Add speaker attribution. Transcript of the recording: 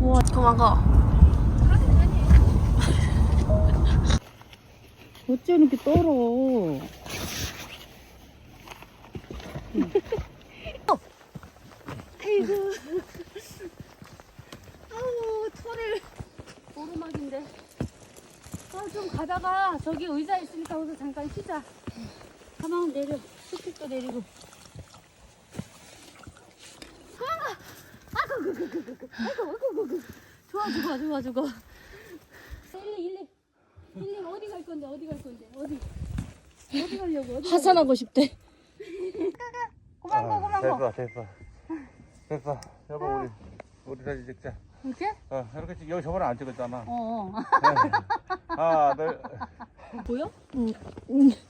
Speaker 1: 우와, 도망가.
Speaker 2: 어째 이렇게 떨어.
Speaker 1: 아이고. 아우, 털을. 오르막인데. 아, 좀 가다가 저기 의자 있으니까 거기서 잠깐 쉬자. 가만 내려. 스틱도 내리고. 도망가! 아이고. 좋아. 일리 어디 갈 건데? 어디 가려고?
Speaker 2: 하산하고 싶대.
Speaker 1: 고만고.
Speaker 2: 됐어.
Speaker 1: 어.
Speaker 2: 우리 사진 찍자.
Speaker 1: 이렇게?
Speaker 2: 이렇게 여기 저번에 안 찍었잖아.
Speaker 1: 어.
Speaker 2: 하나, 둘.
Speaker 1: 보여?
Speaker 2: 응.